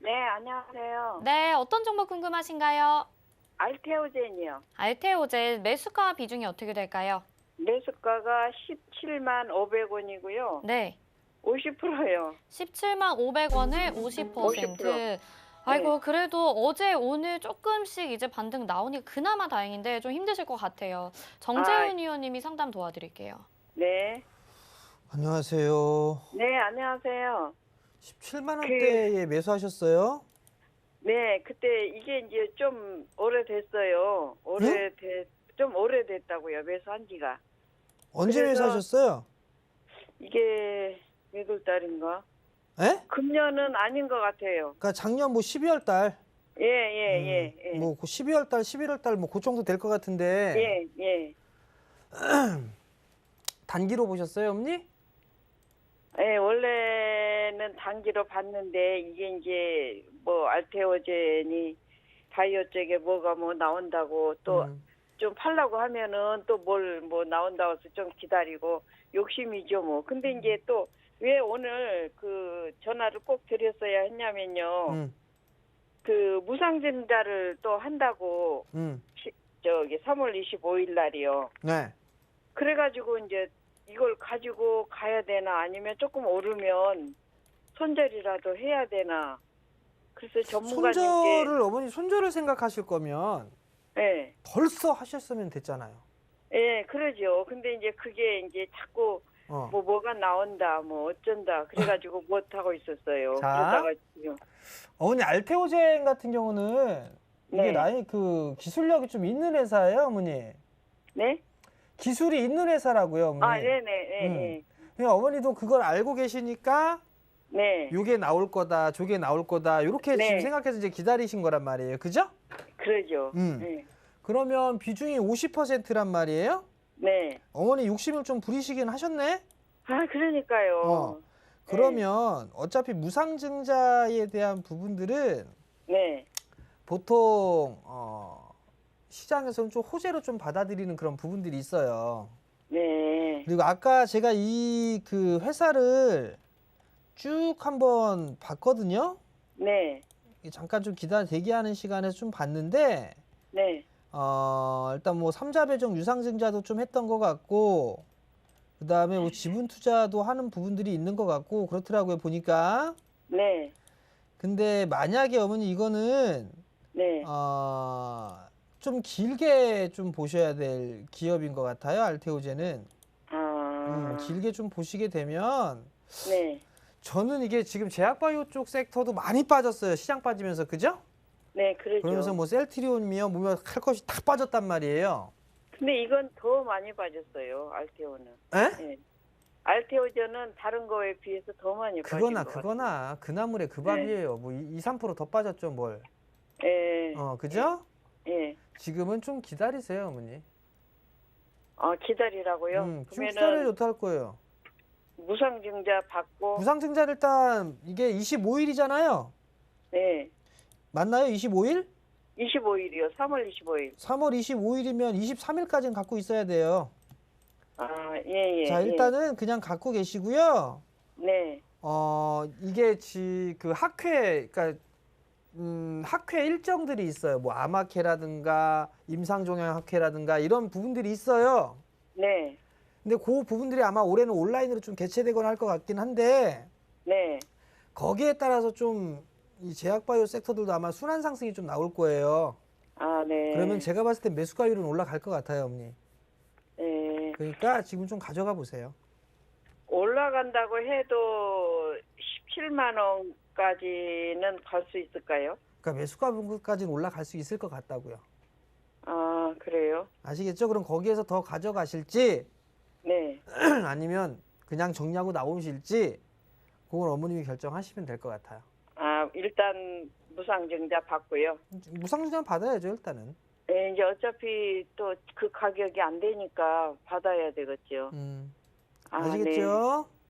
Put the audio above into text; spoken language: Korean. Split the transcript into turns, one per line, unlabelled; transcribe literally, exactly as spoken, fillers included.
네, 안녕하세요.
네, 어떤 정보 궁금하신가요?
알테오젠이요.
알테오젠 매수가 비중이 어떻게 될까요?
매수가가 십칠만 오백 원이고요.
네,
오십 퍼센트요.
십칠만 오백 원에 오십
오십 퍼센트.
퍼센트.
네.
아이고, 그래도 어제 오늘 조금씩 이제 반등 나오니 그나마 다행인데 좀 힘드실 것 같아요.
아,
정재윤 의원님이 상담 도와드릴게요.
네.
안녕하세요.
네, 안녕하세요.
십칠만
그,
원대에 매수하셨어요?
네, 그때 이게 이제 좀 오래됐어요. 오래됐, 좀 오래됐다고요. 매수한 지가.
언제
그래서-
매수하셨어요?
이게 몇 월 달인가?
에?
금년은 아닌 것 같아요.
그러니까 작년 뭐 십이월 달.
예, 예, 예, 예.
뭐 십이월 달, 십일월 달 뭐 그 정도 될 것 같은데.
예, 예.
단기로 보셨어요, 어머니?
예, 원래는 단기로 봤는데 이게 이제 뭐 알테오젠이 바이오 쪽에 뭐가 뭐 나온다고 또 좀
음.
팔라고 하면은 또 뭘 뭐 나온다고 해서 좀 기다리고 욕심이죠 뭐. 근데 이제 또 왜 오늘 그 전화를 꼭 드렸어야 했냐면요.
음.
그 무상증자를 또 한다고
음.
시- 저기 삼월 이십오일 날이요.
네.
그래가지고 이제 이걸 가지고 가야 되나 아니면 조금 오르면 손절이라도 해야 되나. 그래서 전문가님께
손절을 어머니 손절을 생각하실 거면
예,
벌써 하셨으면 됐잖아요.
예, 그러죠. 근데 이제 그게 이제 자꾸
어.
뭐 뭐가 나온다, 뭐 어쩐다. 그래가지고 못 하고 있었어요.
자.
그러다가 지금
어머니 알테오젠 같은 경우는 이게
네.
나이 그 기술력이 좀 있는 회사예요, 어머니.
네?
기술이 있는 회사라고요, 어머니.
아, 네네, 예,
음.
예.
그냥 어머니도 그걸 알고 계시니까
네,
요게 나올 거다, 저게 나올 거다 이렇게
네.
지금 생각해서 이제 기다리신 거란 말이에요, 그죠?
그러죠.
음.
네,
그러면 비중이 오십 퍼센트란 말이에요?
네.
어머니 욕심을 좀 부리시긴 하셨네?
아, 그러니까요.
어. 그러면 어차피 무상증자에 대한 부분들은
네,
보통 어, 시장에서는 좀 호재로 좀 받아들이는 그런 부분들이 있어요.
네,
그리고 아까 제가 이 그 회사를 쭉 한번 봤거든요.
네,
잠깐 좀 기다려 대기하는 시간에서 좀 봤는데
네,
어, 일단 뭐 삼자 배정 유상증자도 좀 했던 것 같고 그다음에 뭐 지분 투자도 하는 부분들이 있는 것 같고 그렇더라고요 보니까.
네,
근데 만약에 어머니 이거는
네.
어, 좀 길게 좀 보셔야 될 기업인 것 같아요. 알테오젠은.
아,
음, 길게 좀 보시게 되면
네,
저는 이게 지금 제약바이오 쪽 섹터도 많이 빠졌어요. 시장 빠지면서 그죠?
네, 그러죠.
그러면서 뭐 셀트리온이며 뭐며 할 것이 다 빠졌단 말이에요.
근데 이건 더 많이 빠졌어요. 알테오는.
에?
예. 알테오전은 다른 거에 비해서 더 많이
그거나
빠진 것
그거나 그 나물에 그 밥이에요. 뭐 이, 삼 퍼센트 더 빠졌죠 뭘.
같아요. 예.
어, 그죠?
예.
지금은 좀 기다리세요, 어머니.
어, 기다리라고요?
음, 좀
그러면은
기다려도 할 거예요.
무상증자 받고
무상증자를 일단 이게 이십오 일이잖아요.
네.
맞나요? 이십오 일?
이십오일이요. 삼월 이십오일.
삼월 이십오 일이면 이십삼 일까지는 갖고 있어야 돼요.
아, 예, 예.
자, 일단은 그냥 갖고 계시고요.
예. 네.
어, 이게 지 그 학회 그러니까 음, 학회 일정들이 있어요. 뭐 아마케라든가 임상종양 학회라든가 이런 부분들이 있어요.
네.
근데 그 부분들이 아마 올해는 온라인으로 좀 개최되거나 할 것 같긴 한데
네.
거기에 따라서 좀 이 제약바이오 섹터들도 아마 순환 상승이 좀 나올 거예요.
아, 네.
그러면 제가 봤을 때 매수가율은 올라갈 것 같아요, 어머니.
네.
그러니까 지금 좀 가져가 보세요.
올라간다고 해도 십칠만 원까지는 갈 수 있을까요?
그러니까 매수가까지는 올라갈 수 있을 것 같다고요.
아, 그래요?
아시겠죠? 그럼 거기에서 더 가져가실지
네.
아니면 그냥 정리하고 나오실지 그건 어머님이 결정하시면 될 것 같아요.
아, 일단 무상증자 받고요.
무상증자 받아야죠, 일단은.
네, 이제 어차피 또 그 가격이 안 되니까 받아야 되겠죠.
음,
아,
아시겠죠?